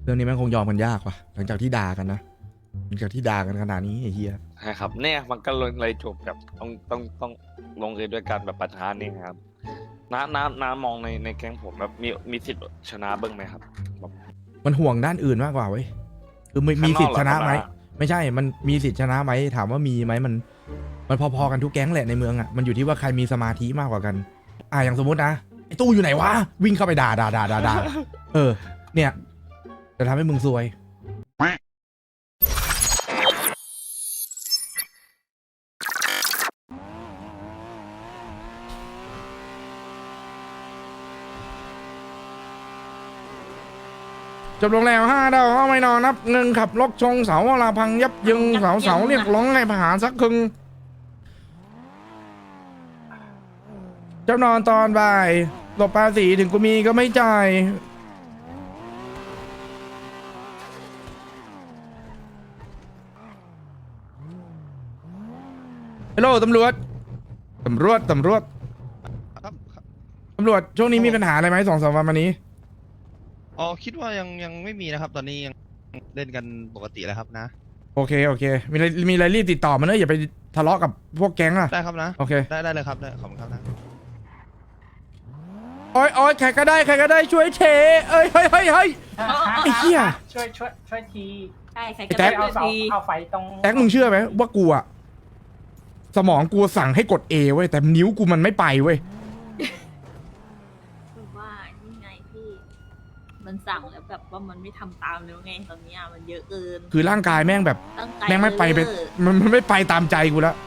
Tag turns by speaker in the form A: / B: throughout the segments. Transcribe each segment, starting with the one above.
A: เรื่องนี้มันคงยอมกันยากว่ะหลังจากที่ด่ากันนะหลังจากที่ด่ากันขนาดนี้ไอ้เหี้ย
B: ใช่ครับเนี่ยมันก็เลยจบแบบต้องลงเอยด้วยการแบบปะทะนี่ครับน้ามองในแก๊งผมแบบมีสิทธิ์ชนะเบิ้งไหมครับแบบ
A: มันห่วงด้านอื่นมากกว่าเว้ยคือมี
B: ข้างนอก
A: สิทธิ์ชนะไหม
B: เหรอครับ
A: ไม่ใช่มันมีสิทธิ์ชนะไหมถามว่ามีไหมมันพอๆกันทุกแก๊งแหละในเมืองอ่ะมันอยู่ที่ว่าใครมีสมาธิมากกว่ากันอย่างสมมตินะไอ้ตู้อยู่ไหนวะวิ่งเข้าไปด่าเนี่ยจะทำให้มึงซวยจบลงแล้ว5 ดาวเอาไม่นอนนับเงินขับรถชงเสาลาพังยับยึงเสาเรียกร้องให้ประหารสักครึ่งเจ้านอนตอนบ่ายหลบภาษีถึงกูมีก็ไม่จ่ายฮัลโหลตำรวจ
C: ครับ
A: ช่วงนี้มีปัญหาอะไรไหม2-3 วันมานี้
C: อ๋อคิดว่ายังไม่มีนะครับ ตอนนี้ยังเล่นกันปกติแล้วครับนะ
A: โอเคมีอะไรรีบติดต่อมาเนอะอย่าไปทะเลาะกับพวกแก๊งอะ
C: ได้ครับนะ
A: โอเค
C: ได้เลยครับได้ขอบคุณครับนะ
A: โอ้ยใครก็ได้ช่วยเทเอ้ยเฮ้ยไอ้เหี้ย
D: ช่วยที
E: ใช่ใคร
A: ไอ้
E: ก็
A: แท็
E: ได้
A: ก
D: เอาเสา
E: ที
D: เอาไฟตรง
A: แท็กมึงเชื่อไหมว่ากูอะสมองกูสั่งให้กด A เว้ยแต่นิ้วกูมันไม่ไปเว้ย
E: คือว่านี่ไงพี่ มันสั่งแล้วแบบว่ามันไม่ทำตามแล้วไงตอนเนี้ยมันเยอะเกิน
A: คือร่างกายแม่งแบบ
E: ตั้งใจ
A: แม่งไม่ไปเป็น
E: เออ
A: มันไม่ไปตามใจกูแล้ว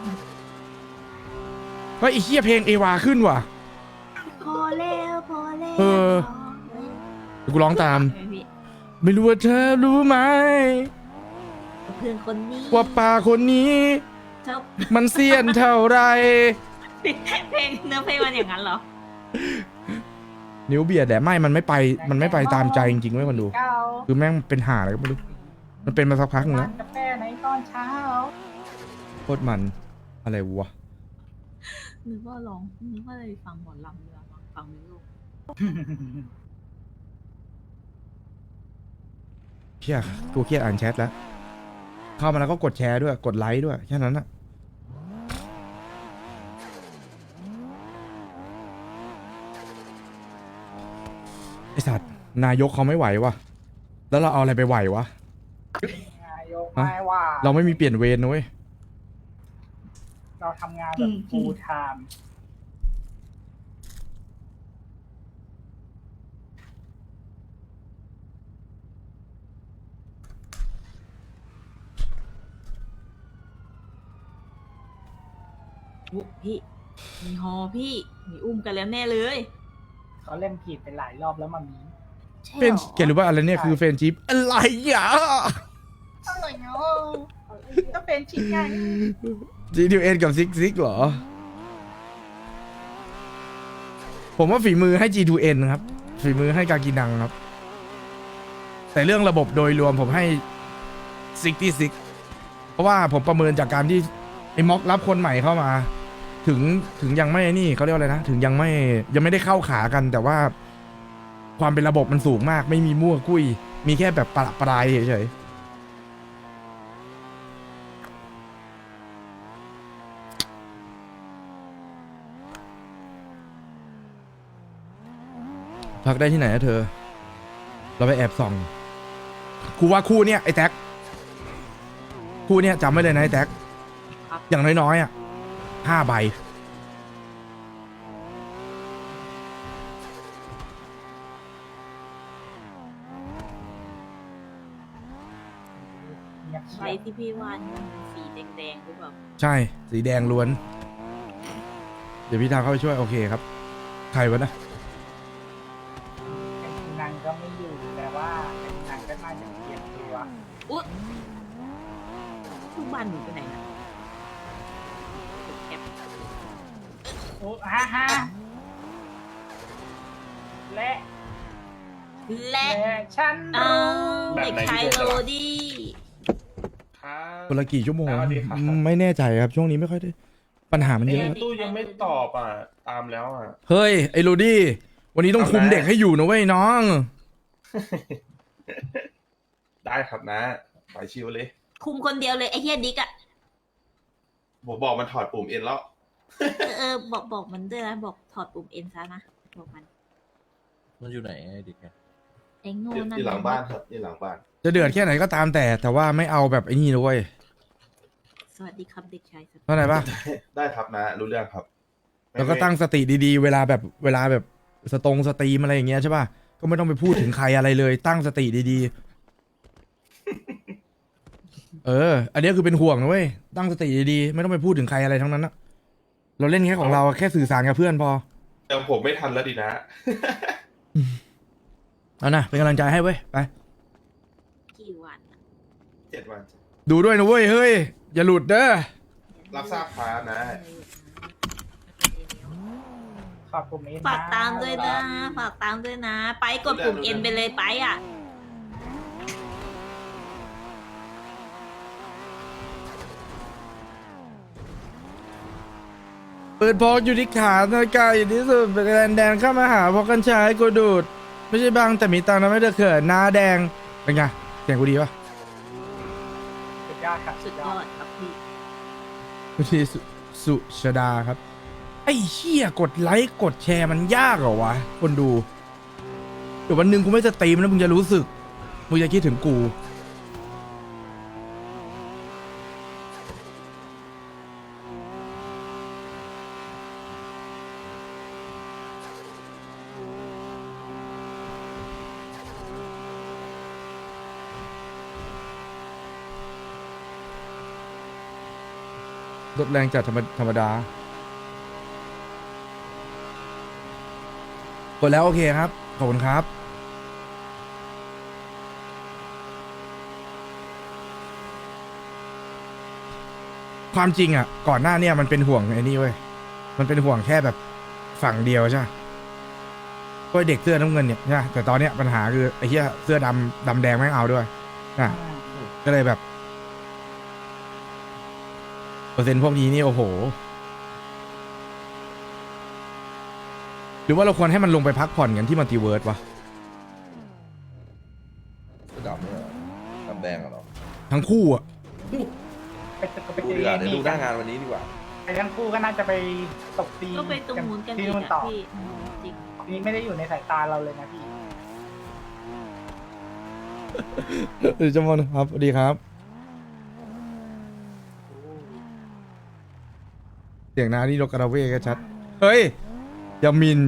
A: เฮ้ยไอ้เหี้ยเพลงเอวาขึ้นว่ะ
E: พอแล้ว
A: เออ เดี๋ยวกูร้องตาม
E: ใช่ไหมพี่
A: ไม่รู้ว่าเธอรู้ไหม
E: เพื่อนคนนี้
A: ว่าป่าคนนี้
E: ชอบ
A: มันเสี้ยนเท่าไร
E: เพลงเนื้อเพลงมันอย่างนั้นเหรอ
A: นิ้วเบียดแต่ไม่มันไม่ไปตามใจจริงๆเว้ยคนดู
D: เก้า
A: คือแม่งเป็นห่าอะไรก็ไม่รู้มันเป็นมาสักพักนึงแล้ว
D: ร้านกาแฟในตอนเช้า
A: โคตรมันอะไรวะ
E: นึกว่าเลยฟังหมอลำเรือฟังไม่รู้
A: เชี่ยกูเครียดอ่านแชทแล้วเข้ามาแล้วก็กดแชร์ด้วยกดไลค์ด้วยแค่นั้นอะไอสัตว์นายกเขาไม่ไหววะแล้วเราเอาอะไรไปไหววะ
D: นายกไม่ว่า
A: เราไม่มีเปลี่ยนเวรนะเว้ย
D: เราทำงานแบบ full time
E: อุ๊ยพี่มีฮอพี่มีอุ้มกันแล้วแน่เลย
D: เขาเล่นผิดไปหลายรอบแล้วมามี
E: ใช่
A: เป็น
E: หรอ
A: เกรู้ว่าอะไรเนี่ยคือเฟรนชิพอะไรอ่ะ
D: อะไรเนาะก็เป็นชิ้นไง
A: GTN กับซิกเหรอ ผมว่าฝีมือให้ G2N ครับฝีมือให้กากินังครับ แต่เรื่องระบบโดยรวมผมให้66เพราะว่าผมประเมินจากการที่ไอ้ม็อกรับคนใหม่เข้ามา ถึงยังไม่นี่เขาเรียกว่าอะไรนะ ถึงยังไม่ได้เข้าขากัน แต่ว่าความเป็นระบบมันสูงมาก ไม่มีมั่วกุ้ย มีแค่แบบประปรายเฉยๆพักได้ที่ไหนนะเธอ เราไปแอบส่องกูว่าคู่เนี้ยไอ้แท็กคู่เนี้ยจำไว้เลยนะไอ้แท็ก
E: ครับ
A: อย่างน้อยๆอ่ะ5 ใบ
D: เงียบ
E: ใบ
D: เชียบ
E: ที่พี่วาดมันสีแดงๆหรือเปล่า
A: ใช่ สีแดงล้วน เดี๋ยวพี่ทาเข้าไปช่วย โอเคครับ ใครวะนะ
D: เป็นนางก็ไม่อยู่แต่ว่าเป็นนางก็น่าจะเปลี่ยนตัว
E: อุ๊ยทุกบ้านหนูไปไหนนะแคป
D: โอ้ฮะและ
E: และ
D: ฉัน
E: เอา
D: รู้
E: เด็กชายโรดี้
A: คนละกี่ชั่วโมง
F: สวัสดีครับ
A: ไม่แน่ใจครับ ช่วงนี้ไม่ค่อยได้ ปัญหามันเยอะ
F: ตู้ยังไม่ตอบอ่ะ ตามแล้วอ่ะ
A: เฮ้ย ไอ้โรดี้ วันนี้ต้องคุม
F: ทำไม
A: เด็กให้อยู่นะเว้ยน้อง
F: ได้ครับนะไปชิวเลย
E: คุมคนเดียวเลยไอ้เฮียดิกอะ
F: ผมบอกมันถอดปุ่มเอ็นแล้ว
E: บอกมันด้วยนะบอกถอดปุ่มเอ็นซะนะบอกมัน
G: มันอยู่ไหนไอ้ดิแก
E: ไอ้โง่
F: อยู่
E: นั่น
F: อยู่หลังบ้านครับอยู่หลังบ้าน
A: จะเดือดแค่ไหนก็ตามแต่ว่าไม่เอาแบบไอ้นี่นะเว้ย
E: สวัสดีครับเด็กชายส
A: เข้าใจปะ
F: ได้ครับนะ รู้เรื่องครับ
A: แล้วก็ตั้งสติดีๆ เวลาแบบสตรีมอะไรอย่างเงี้ยใช่ปะก็ไม่ต้องไปพูดถึงใครอะไรเลย ตั้งสติดีๆ อันนี้คือเป็นห่วงนะเว้ยตั้งสติดีๆไม่ต้องไปพูดถึงใครอะไรทั้งนั้นนะเราเล่นแค่ของเราแค่สื่อสารกับเพื่อนพอ
F: แต่ผมไม่ทันแล้วดินะ
A: เอานะเป็นกำลังใจให้เว้ยไป
E: กี่วันอะ
F: 7 วัน
A: ดูด้วยนะเว้ยเฮ้ยอย่าหลุดเด้อ
F: รับทราบครับนะ
D: ขอบปุ่มเอ็น
E: ฝากตามด้วยนะฝากตามด้วยนะ ไปกดปุ่มเอ็นไปเลยไปอ่ะ
A: เปิดพอกอยู่ที่ขานาฬิกาอยู่ที่สุดแดนเข้ามาหาพอกันชายกูดูด ไม่ใช่บางแต่มีตังค์นะไม่ได้เขินหน้าแดงเป็นไงเสียงกูดีปะ
D: สุดยอดครับ
E: สุดยอดครับพี่
A: คุณทีสุชดาครับ ไอ้เชี่ยกดไลค์กดแชร์มันยากเหรอวะ คนดู เดี๋ยววันหนึ่งกูไม่จะตีมแล้วมึงจะรู้สึก มึงจะคิดถึงกู ลดแรงจากธรรมดากดแล้วโอเคครับ ขอบคุณครับ ความจริงอ่ะ ก่อนหน้าเนี่ยมันเป็นห่วงไอ้นี่เว้ย มันเป็นห่วงแค่แบบฝั่งเดียวใช่ไหมก็เด็กเสื้อน้ำเงินเนี่ยใช่ปะแต่ตอนเนี้ยปัญหาคือไอ้เหี้ยเสื้อดำแดงไม่เอาด้วยนะก็เลยแบบ เปอร์เซ็นต์พวกนี้นี่โอ้โห หรือว่าเราควรให้มันลงไปพักผ่อนกันที่มัลติเวิร์สวะ
G: ดำเนี่ยดำแดงเหรอ
A: ทั้งคู่อ่ะ
D: ไป
G: ดูดีกว่าเดี๋ยวดูหน้างานวันนี้ดีกว่า
D: ไอ้ทั้งคู่ก็น่าจะไปตบตี
E: ก็ไปตรงนู้นกัน
D: ที่
E: อีก
D: นู่น
E: อะ
D: ต่อ
E: พี่จริง
D: นี่ไม่ได้อยู่ในสายตาเราเลยนะพี่
A: จมอนครับสวัสดีครับ เสียงนานี่โลกราเว่ก็ชัด เฮ้ยอย่ามิน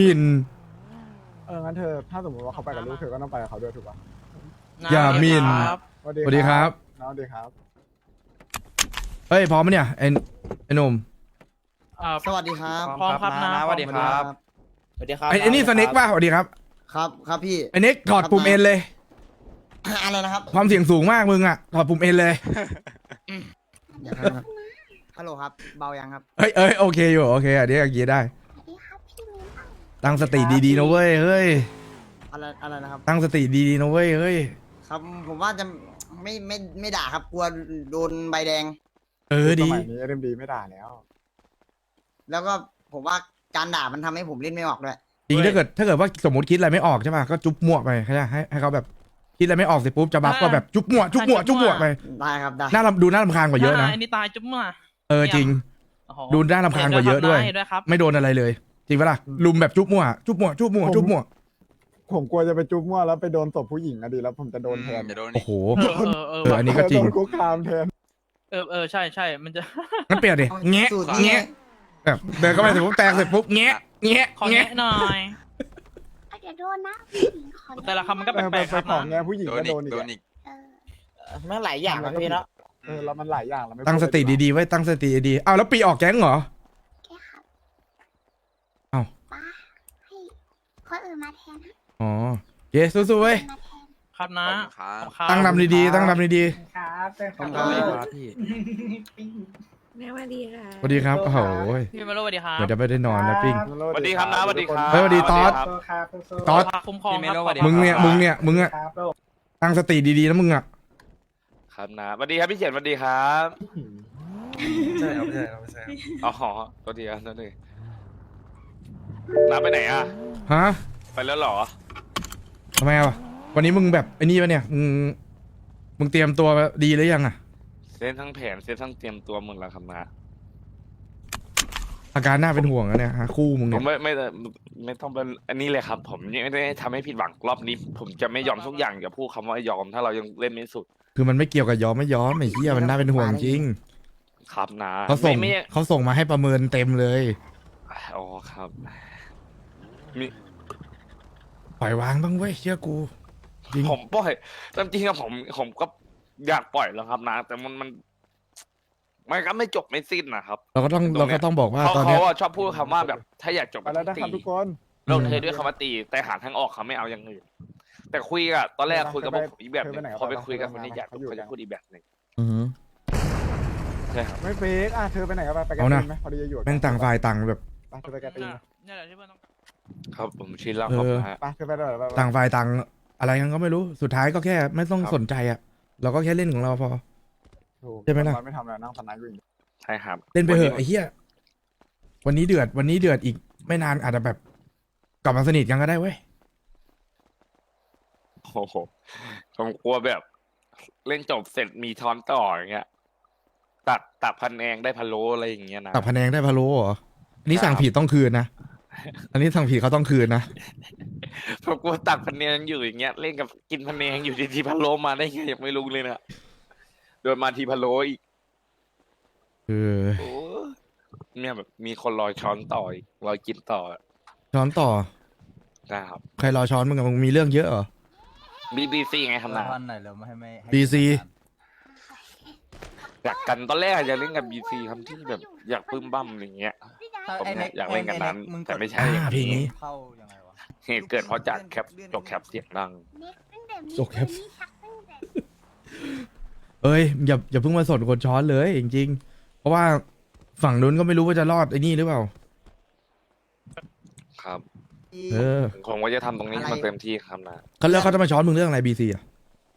H: งั้นเธอถ้าสมมติว่าเขาไปกับลูกเธอก็ต้องไปกับเขาด้วยถูกป่ะ
A: อย่ามิน สวัสดีครับ
H: น้องสวัสดีครับ
A: เฮ้ย พร้อมไหมเนี่ยไอ้หนุ่ม
I: สวัสดีครับ
J: พร้อมครับนะสวัสดีครับ
I: สวัสดีครับ
A: ไอ้นี่สเน็กป่ะสวัสดีครับ
I: ครับครับพี่
A: ไอ้เน็กถอดปุ่มเอ็นเลย
I: อะไรนะครับ
A: ความเสี่ยงสูงมากมึงอ่ะ ถอดปุ่มเอ็นเลย
I: อย่าครับฮัลโหลครับ เบายังครับ
A: เอ้ยโอเคอยู่โอเคอันนี้อย่างงี้ได้ ตั้งสติดีๆนะเว้ยเฮ้ย
I: อะไรนะครับ
A: ตั้งสติดีๆนะเว้ยเฮ้ย
I: ครับผมว่าจะไม่ด่าครับกลัวโดนใบแดง
H: ส
A: ดี
H: มัยนี้เอ็มดีไม่ด่าแล้ว
I: แล้วก็ผมว่าการด่ามันทำให้ผมเล่นไม่ออกด้วย
A: จริงถ้าเกิดว่าสมมติคิดอะไรไม่ออกใช่ป่ะก็จุ๊บมั่วไปให้เขาแบบคิดอะไรไม่ออกเสร็จปุ๊บจะบัฟก็แบบจุ๊บมั่วไป
I: ได้ครับได้
A: ดูน่ารำคาญกว่าเยอะนะ
J: อันนี้ตายจุ๊บมา
A: จริง
J: โอ้โห
A: ดูน่ารำคาญกว่าเยอะด้วย
J: เห็นด้วยครับ
A: ไม่โดนอะไรเลย จริงปะล่ะลุมแบบจุ๊บมั่ว
H: ผมกลัวจะไปจุ๊บมั่วแล้วไปโดนตบผู้หญิงอะดีแล้วผมจะโดนแทน
A: โอ้โห
J: เ
A: อันนี้ก็จริง
H: โดนคุกคามแทน
J: ใช่มันจะ
A: งั้นเปลี่ยนดิแงะ
I: สูตรนี้
A: แงะแบบเดินเข้าไปเสร็จปุ๊บแตกเสร็จปุ๊บแงะ
J: ขอแงะหน่อย
K: อย่าโดนนะผู้หญิงขอ
J: แต่ละคำมันก็
H: ไป
J: แปลกๆครับ
H: ของ
J: นะ
H: แงผู้หญิงก็โดนอีกอะ
I: มันหลายอย่างครับพี่เนาะ
H: แล้วมันหลายอย่างแล้วไม่
A: ตั้งสติดีๆไว้ตั้งสติดีๆอ้าวแล้วปีออกแก๊งเหรอ
K: แค่ครับ
A: เอ้า
K: ป้าให้คนอื่นมาแทนนะ
A: อ๋อเย้สู้ๆเว้ย
K: มาแทน
J: ครับนะ
A: ตั้งนำดีๆตั้งนำดี
D: ครับเป็นค
I: ขอบ
D: รับ
I: คุณครับ
D: ปิ้ง
E: แม่ว่าดีค่ะ
A: ๆสวัสดีครับโอ้โห
J: พี่มาโลสวัสดีครับ
A: เหมือนจะไม่ได้นอนนะปิ้ง
B: สวัสดีครับนะสวัสดีครับ
A: เฮ้ยสวัสดีตอส
D: โซครับโซ
A: ตอส
J: คุ้มครองครับ
A: มึงเนี่ย
D: ครับโลก
A: ตั้งสติดีๆนะมึงอ่ะ
B: ครับนะสวัสดีครับพี่เขียนสวัสดีครับ
G: ใช่ครับไม่ใช่ครับไม่ใช่ครับ
B: อ๋อตัวเดียวนั่นเองน้าไปไหนอ่ะ
A: ฮะ
B: ไปแล้วเหรอ
A: ทำไมอ่ะวันนี้มึงแบบไอ้นี่ปะเนี่ยมึงมึงเตรียมตัวดีหรือยังอะ
B: เส้นทั้งแผนเส้นทั้งเตรียมตัวหมดแล้วครับนะ
A: อาการน่าเป็นห่วงอะเนี่ยฮะคู่มึง
B: ผ
A: เนี่
B: ม
A: ย
B: ไม่ต้องเป็นอันนี้เลยครับ ผมไม่ได้ทำให้ผิดหวังรอบนี้ ผมจะไม่ยอมทุกอย่างอย่าพูดคำว่ายอม ถ้าเรายังเล่นไม่สุด
A: คือมันไม่เกี่ยวกับยอมไม่ยอมไอ้เหี้ยมันน่าเป็นห่วงจริง
B: ครับนะ
A: เขาส่ง
B: ไม่
A: เขาส่งมาให้ประเมินเต็มเลย
B: อ๋อครับมี
A: ปล่อยวางบ้างเว้ยเชื่อกู จริง
B: ผมปล่อยตามจริงอะผมก็อยากปล่อยแล้วครับนะ แต่มันก็ไม่จบไม่สิ้นนะครับ
A: เราก็ต้อง
B: ตรงเนี้ย
A: เราก็ต้องบอกว่า
B: เขา
A: ตอนเนี้ย
B: อะชอบพูดคำว่าแบบ ถ้าอยากจบ
H: ไปแล้วนะค
B: ตี
H: รับทุกคน
B: ลงเทด้วยคำว่าตี แต่หาทางออกเขาไม่เอาอย่างอื่นแต่คุยอะตอนแรกคุยกับพวกผมอีกแบบหนึงพอไปคุยกับคนที่อยากจบเขาจะพูดอีกแบบหนึง
A: อือหือ
B: ใช่ครับ
H: ไม่เฟกอ่ะเธอไปไหนกันไปกัน
A: เอานะ
H: ไหมพอดีจะอยู่
A: แม่งต่างฝ่ายต่างแบบ
H: ไปเธอไปกันตีน
J: เนี่ยแหละที่เพื่อนต้องการ
B: ครับผมชินแล้วครับ
A: เออ
B: นะ
H: ไปเธอไปเลยไป
A: ต่างฝ่ายต่างอะไรกันก็ไม่รู้สุดท้ายก็แค่ไม่ต้อง
B: ครับ
A: สนใจอะเราก็แค่เล่นของเราพอ
H: ถูก
A: ใช่ไหมล่ะ
H: นไม่ทำแล้วนั่งพนันอยู่อย่างเดียว
B: ใช่ครับ
A: เล่นไปเถอะไอ้เหี้ยวันนี้เดือดอีกไม่นานอาจจะแบบกลับมาสนิทกันก็ได้เว้ย
B: โอ้โหผมกลัวแบบ เล่นจบเสร็จมีช้อนต่ออย่างเงี้ยตักพันแองได้พะโล้อะไรอย่างเงี้ยนะ
A: ตักพะแนงได้พะโล้เหรออันนี้
B: ครับ
A: สั่งผิดต้องคืนนะอันนี้สั่งผิดเขาต้องคืนนะ
B: ผมกลัวตักพันแองอยู่อย่างเงี้ยเล่นกับกินพันแองอยู่ดีๆพะโล้มาได้ไงยังไม่รู้เลยนะโดนมาทีพะโล้อีก
A: เออ
B: โอ้เนี่ยแบบมีคนรอช้อนต่ออีกรอกินต่อ
A: ช้อนต่อ
B: นะครับ
A: ใครรอช้อนมึงอะมึงมีเรื่องเยอะเหรอ
B: BBC ไงครับนะ
G: วันไหนเราไม่ให้ไม่
A: BC
B: อยากกันตอนแรกอยากเล่นกับ BC ครับที่แบบอยากปึ้มบั้มอะไรเงี้ย ผมเนี่ยอยากเล่นกับนั้นแต่ไม่ใช่อย่าง
A: เพลงนี้
G: เข้ายังไงวะ
B: เหตุเกิดเพราะจัดแคปจกแคปเสียงดัง
A: จบครับ เอ้ยอย่าเพิ่งมาสนคนช้อนเลยจริงๆเพราะว่าฝั่งนู้นก็ไม่รู้ว่าจะรอดไอ้นี่หรือเปล่า
B: ครับ
A: เออ
B: ผมก็จะทำตรงนี้ให้มันเต็มที่ครับนะ
A: เขาเลือกเขาจะมาช้อนมึงเรื่องอะไร BC อ่ะ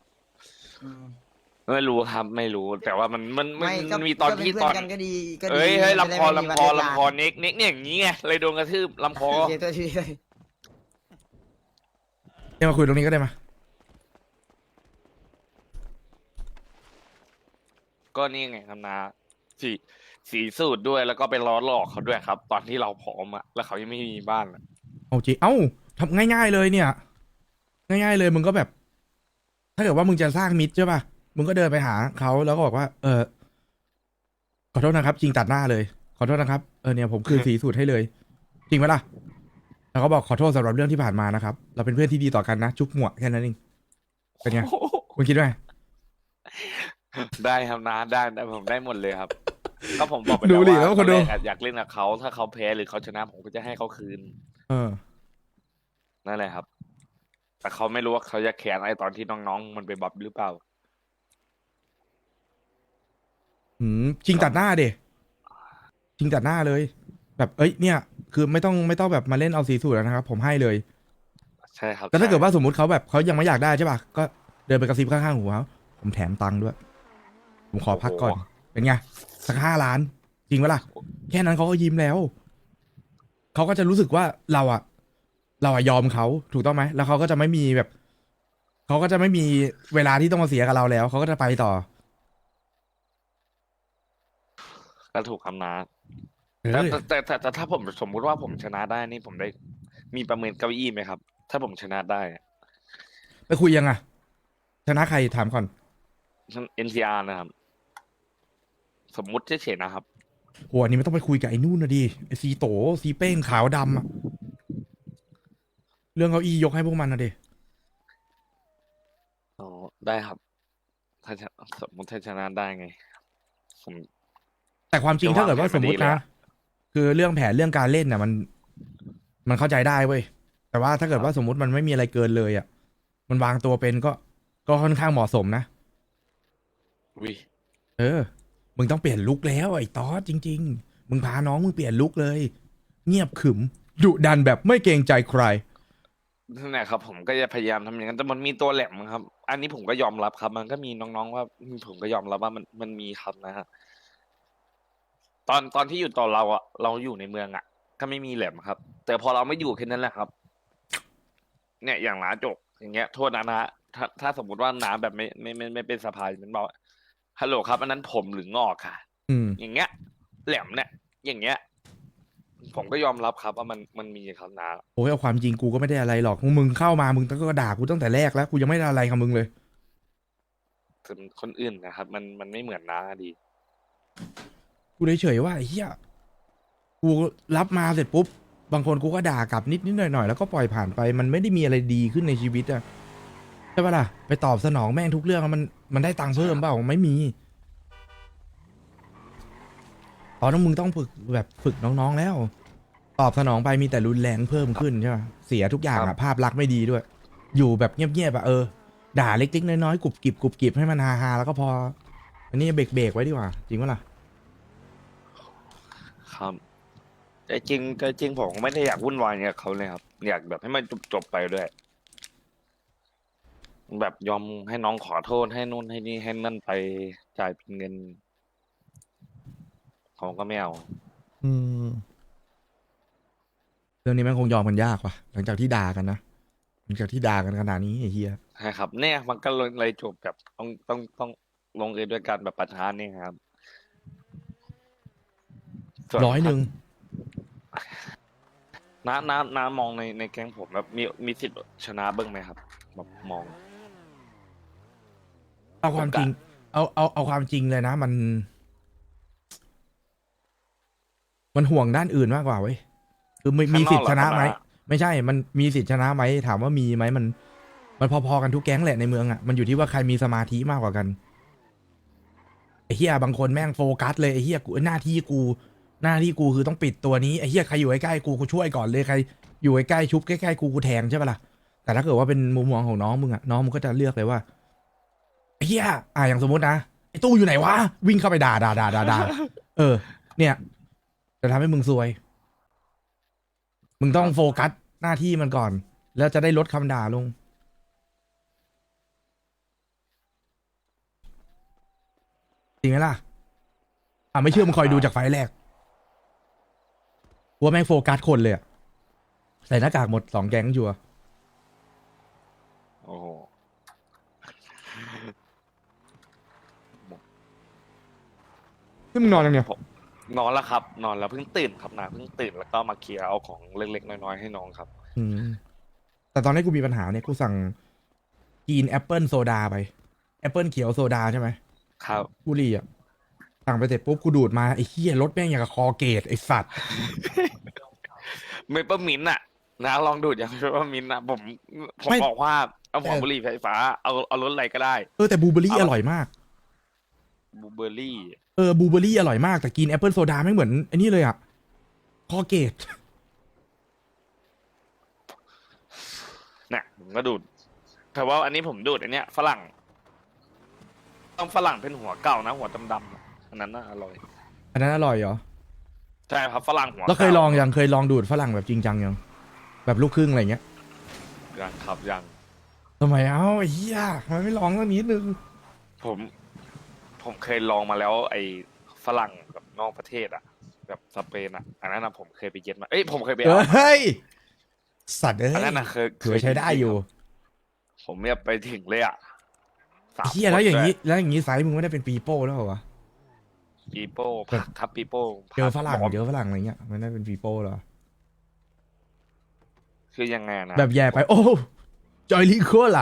B: ไม่รู้ครับไม่รู้แต่ว่ามัน
I: ไม่ก็
B: มีตอนที่
I: ก็
B: ต
I: เป็
B: อน
I: เพื่กันก็ดีก็ดี
B: เอ้ยเฮ้ย
I: จะได้
B: ลำคอ
I: ไม่มี
B: ลำคอ
I: วันเวลา
B: ลำคอเน็กเนี่ยอย่างนี้ไงเลยโดนกระทืบลำคอ
I: โอเคตัวทีเลย
A: เนี่ยมาคุยตรงนี้ก็ได้มา
B: ก็นี่ไงครับนะสีสูตรด้วยแล้วก็ไปล้อหลอกเขาด้วยครับ ตอนที่เราผอมอะแล้วเขายังไม่มีบ้านอะ
A: เอาจริงเอ้าทำง่ายๆเลยเนี่ย ง่ายๆเลยมึงก็แบบ ถ้าเกิดว่ามึงจะสร้างมิตรใช่ป่ะมึงก็เดินไปหาเขาแล้วก็บอกว่า ขอโทษนะครับ จริงตัดหน้าเลย ขอโทษนะครับเนี่ยผมคืนสีสูตรให้เลย จริงไหมล่ะแล้วก็บอกขอโทษสำหรับเรื่องที่ผ่านมานะครับ เราเป็นเพื่อนที่ดีต่อกันนะจุ๊บหัวแค่นั้นเองเป็นไงคุณคิดว่าไง
B: ได้ครับนะได้ผมได้หมดเลยครับ ก็ผมบอกไป
A: ดูดิ
B: แล้ว
A: แล้ว
B: ว่า
A: คนดู
B: ตอนแรกอะอยากเล่นกับเขาถ้าเขาแพ้หรือเขาชนะผมก็จะให้เขาคืน
A: เออ
B: นั่นแหละครับ แต่เขาไม่รู้ว่าเขาจะแขนอะไรตอนที่น้องๆ มันไปบับหรือเปล่า
A: จริงตัดหน้าเดจริงตัดหน้าเลย แบบเอ้ยเนี่ย คือไม่ต้องแบบมาเล่นเอาสีสูตรแล้วนะครับ ผมให้เลย
B: ใช่ครับ
A: แต่ถ้าเกิด
B: ใช่
A: ว่าสมมติเขาแบบเขายังไม่อยากได้ใช่ป่ะก็เดินไปกระซิบข้างๆหูเขาผมแถมตังค์ด้วย ผมขอพักก่อน เป็นไงสัก5 ล้าน จริงปะล่ะแค่นั้นเขาก็ยิ้มแล้วเขาก็จะรู้สึกว่าเราอะยอมเขาถูกต้องไหมแล้วเขาก็จะไม่มีแบบเขาก็จะไม่มีเวลาที่ต้องมาเสียกับเราแล้วเขาก็จะไปต่อ
B: ก็ถูกคำนา
A: เอ
B: แต่ถ้าผมสมมุติว่าผมชนะได้นี่ผมได้มีประเมินเก้าอี้ไหมครับ ถ้าผมชนะได้อะ
A: ไปคุยยังอะชนะใครถามก่อน
B: NCR นะครับ สมมุติเฉยๆนะครับ
A: โหอันนี้ไม่ต้องไปคุยกับไอ้นู่นนะดิไอ้ซีโตซีเป้งขาวดำอะเรื่องเก้าอี้ยกให้พวกมันนะดิ
B: อ๋อ ได้ครับ ถ้าสมมติถ้าชนะได้ไง ผม
A: แต่ความจริง
B: จะ
A: ถ้าเกิดว่า
B: ว่า
A: สมมติ
B: แผนมาดีเลย
A: นะ
B: อะ
A: คือเรื่องแผนเรื่องการเล่นน่ะมันเข้าใจได้เว้ยแต่ว่าถ้าเกิดว่าสมมติมันไม่มีอะไรเกินเลยอ่ะมันวางตัวเป็นก็ค่อนข้างเหมาะสมนะ
B: วิ
A: มึงต้องเปลี่ยนลุคแล้วไอ้ตอสจริง ๆ มึงพาน้องมึงเปลี่ยนลุคเลย เงียบขรึมดุดันแบบไม่เกรงใจใคร
B: นั่นแหละครับ ผมก็จะพยายามทำอย่างนั้นแต่มันมีตัวแหลมครับ อันนี้ผมก็ยอมรับครับ มันก็มีน้องๆว่าผมก็ยอมรับว่ามันมีครับนะฮะตอนที่อยู่ตอนเราอะเราอยู่ในเมืองอะก็ไม่มีแหลมครับ แต่พอเราไม่อยู่แค่นั้นแหละครับ เนี่ยอย่างหลาจกอย่างเงี้ยโทษนะถ้าสมมติว่าน้าแบบไม่เป็นสภามันบอกฮัลโหลครับอันนั้นผมหรืองอกค่ะ
A: อืม
B: อย่างเงี้ย แหลมเนี่ย อย่างเงี้ย ผมก็ยอมรับครับว่ามันมีครับน้า
A: โอ้ยเอาความจริงกูก็ไม่ได้อะไรหรอกมึงเข้ามามึงก็ด่ากูตั้งแต่แรกแล้วกูยังไม่ได้อะไรกับมึงเลย
B: ส่วนคนอื่นนะครับ มันไม่เหมือนน้าดี
A: กูเฉยๆว่าไอ้เหี้ยกูรับมาเสร็จปุ๊บบางคนกูก็ด่ากลับนิดหน่อยๆแล้วก็ปล่อยผ่านไปมันไม่ได้มีอะไรดีขึ้นในชีวิตอะใช่ปะล่ะไปตอบสนองแม่งทุกเรื่องมันได้ตังค์เพิ่มเปล่าไม่มีตอนนั้นมึงต้องฝึกน้องๆแล้ว ตอบสนองไปมีแต่รุนแรงเพิ่มขึ้นใช่ปะเสียทุกอย่าง
B: ครั
A: อะ
B: บ
A: ภาพลักษณ์ไม่ดีด้วย อยู่แบบเงียบๆอะด่าเล็กๆน้อยๆกรุบกริบให้มันฮาๆแล้วก็พออันนี้เบรกไว้ดีกว่าจริงปะล่ะ
B: ครับแต่จริงผมก็ไม่ได้อยากวุ่นวายกับเขาเลยครับ อยากแบบให้มันจบไปด้วย แบบยอมให้น้องขอโทษให้นู่นให้นี่ให้นั่นไปจ่ายเป็นเงินเขาก็ไม่เอา
A: อืมเรื่องนี้มันคงยอมกันยากว่ะหลังจากที่ด่ากันนะหลังจากที่ด่ากันขนาดนี้ไอ้เฮีย
B: ใช่ครับ เนี่ยมันก็เลยจบแบบต้องลงเอยด้วยการแบบประทานนี่ครับส่วน
A: 100
B: น้ามองในแก๊งผมแบบมีสิทธิ์ชนะบ้างไหมครับแบบมอง
A: เอาความจริง เอาความจริงเลยนะ มันห่วงด้านอื่นมากกว่าเว้ยคือมีสิทธิ์ชนะไหมไม่ใช่ มันมีสิทธิ์ชนะไหมถามว่ามีไหมมันพอๆกันทุกแก๊งแหละในเมืองอ่ะมันอยู่ที่ว่าใครมีสมาธิมากกว่ากันไอ้เฮียบางคนแม่งโฟกัสเลยไอ้เฮียหน้าที่กูคือต้องปิดตัวนี้ไอ้เฮียใครอยู่ใกล้ๆกูช่วยก่อนเลยใครอยู่ใกล้ๆชุบใกล้ๆกูแทงใช่ปะล่ะแต่ถ้าเกิดว่าเป็นมุมมองของน้องมึงอ่ะน้องมึงก็จะเลือกเลยว่าไอ้เฮียอย่างสมมตินะไอ้ตู้อยู่ไหนวะวิ่งเข้าไปด่าเนี่ยจะทำให้มึงซวย มึงต้องโฟกัสหน้าที่มันก่อน แล้วจะได้ลดคำด่าลงจริงไหมล่ะไม่เชื่อมึงคอยดูจากไฟล์แรกว่าแม่งโฟกัสคนเลยอะใส่หน้ากากหมด2 แก๊งชัวร์
B: โอ้โห
A: นี่มึงนอนยังเนี่ย
B: ผมนอนแล้วครับ นอนแล้วเพิ่งตื่นครับนะเพิ่งตื่นแล้วก็มาเคลียร์เอาของเล็กๆน้อยๆให้น้องครับ
A: แต่ตอนนี้กูมีปัญหาเนี่ยกูสั่งกินแอปเปิลโซดาไปแอปเปิลเขียวโซดาใช่ไหม
B: ครับ
A: บุหรี่อ่ะสั่งไปเสร็จปุ๊บกูดูดมาไอ้เหี้ยรถแม่งอย่างกับคอเกตไอ้สัตว์
B: เมเปอร์มินต์อะนะลองดูดอย่างเมเปอร์มินต์อะผม
A: ไม่
B: บอกว่าเอาของบุหรี่ไฟฟ้าเอารถอะไรก็ได้
A: แต่บลูเบอร์รี่อร่อยมาก
B: บลูเบอร์รี่
A: บลูเบอร์รี่อร่อยมากแต่กินแอปเปิลโซดาไม่เหมือนไอ้นี่เลยอ่ะคอเกต
B: เนี่ยผมก็ดูดแต่ว่าอันนี้ผมดูดอันเนี้ยฝรั่ง ต้องฝรั่งเป็นหัวเก่านะหัวดำๆอะอันนั้นน่าอร่อย
A: อันนั้นอร่อยเหรอ
B: ใช่ครับฝรั่งหัว
A: แล้วเคย
B: ก่า
A: ลองยังเคยลองดูดฝรั่งแบบจริงจังยังแบบลูกครึ่งอะไรเงี้ย
B: ยังครับยัง
A: ทำไมไอ้เหี้ยทำไมไม่ลองสักนิดนึง
B: ผมเคยลองมาแล้ว ไอ้ฝรั่งแบบนอกประเทศอะแบบสเปนอะอันนั้นนะผมเคยไปเย็ดมาผมเคยไปเอา
A: เฮ้ยสัตว์เอ้ย
B: อันนั้นนะเคย
A: ถือว่าใช้ได้อยู่
B: ผมเนี่ยไปถึงเลยอะ
A: ไอ้เหี้ยแล้วอย่างนี้ไซส์มึงไม่ได้เป็นปีโป้แล้วเหรอวะ
B: ปีโป้ผักครับปีโป้
A: เจอฝรั่ง
B: บอก
A: เจอฝรั่งอะไรเงี้ยมันได้เป็นปีโป้เหรอ
B: คือยังไงนะ
A: แบบแย่ไปโอ้จอยลิโคล่ะ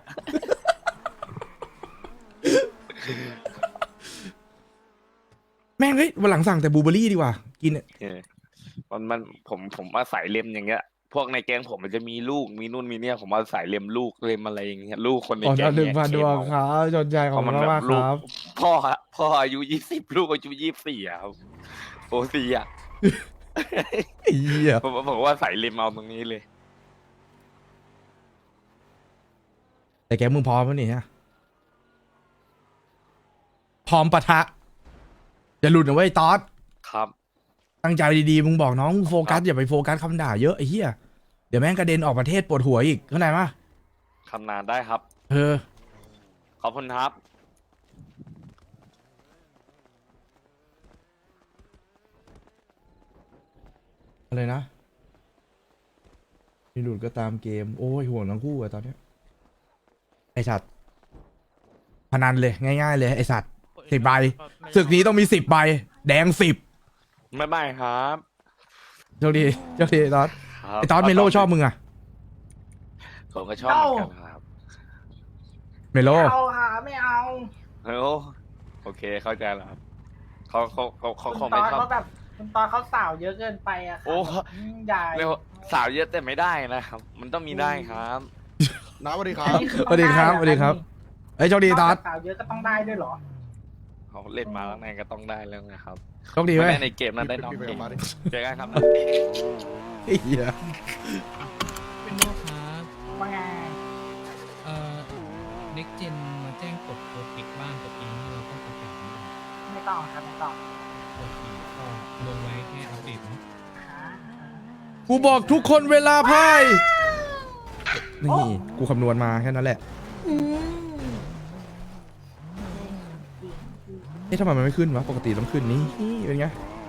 A: แม่งเฮ้ยวันหลังสั่งแต่บลูเบอร์รี่ดีกว่ากิน
B: ผมอาศัยเล็มอย่างเงี้ย พวกในแก๊งผมมันจะมีลูกมีนู่นมีเนี่ยผมอาศัยเล็มลูกเล็มอะไรอย่างเงี้ยลูกคนใน
A: อ๋อ
B: แก๊ง
A: 1,000 ดวงครับจนใจของ
B: เพราะมัน
A: มาก
B: แบบ
A: มาก
B: ลู
A: ค
B: ก
A: รับ
B: พ่ออายุ20ลูกอายุ24อะครับโอ้สี่อะ
A: ไอ้เหี้ย
B: ผมว่าใส่เล็มเอาตรงนี้เลย
A: แต่แกมึงพร้อมแล้วนี่ฮะพร้อมปะทะอย่าหลุดนะเว้ยตอส
B: ครับ
A: ตั้งใจดีๆมึงบอกน้องโฟกัสอย่าไปโฟกัสคำด่าเยอะไอ้เหี้ยเดี๋ยวแม่งกระเด็นออกประเทศปวดหัวอีกเข้าใจปะ
B: คำนานได้ครับ ขอบคุณครับ
A: อะไรนะมีหลุดก็ตามเกมโอ้ยห่วงทั้งคู่อะตอนเนี้ยไอสัตว์พนันเลยง่ายๆเลยไอสัตว์10 ใบศึกนี้ต้องมี10 ใบแดง10
B: ไม่ครับ
A: โชคดีไอ้ตอส
B: ครับ
A: ไอตอสเมโลชอบมึงอะ
B: ผมก็ชอบเหมือนกันครับ
A: เมโล
D: ไม่เอาค่ะไม่เอา
B: โอเคเข้าใจแล้วครับเขาค
D: คุ
B: ง
D: ณต
B: ไม่
D: อน
B: ชอบ
D: เขาแบบคุณตอนเขาสาวเยอะเกินไปอะค่ะ
B: โอ้
D: ใหญ่
B: เรียกว่าสาวเยอะแต่ไม่ได้นะครับ มันต้องมีได้ครับ
H: น้าสวัสดีค
D: อั
H: รั
D: น
H: บ
D: นี้อ
A: สวัสดีครับสวัสดีครับไอยโชคดีตอส
D: สาวเยอะก็ต้องได้ด้วยเหรอ
B: เขาเล่นมาแล้วไงก็ต้องได้แล้วไงครับ
A: โชคดีไหม
B: ไม่ได้ในเกมนั้นได้น้อง
H: พี่
B: เก
H: ไป
B: ม
H: กับมาดิ
B: เจอกันครับ
A: ไอ้เหี้ย
J: เป็นโลครับ
D: ว่าไง
J: เน็กเจนมาแจ้งกดโปรเทคบ้านตัวเองที่เราต้องประกาศ
D: ไม่ต้องครับไม่ต้อง
J: โอเคก็ลงไว้แค่อัปเดตเนาะ
A: กูบอกทุกคนเวลาพายนี่กูคำนวณมาแค่นั้นแหละ
E: อืม
A: เอ๊ะทำไมมันไม่ขึ้นวะปกติต้องขึ้นนี่เป็นไง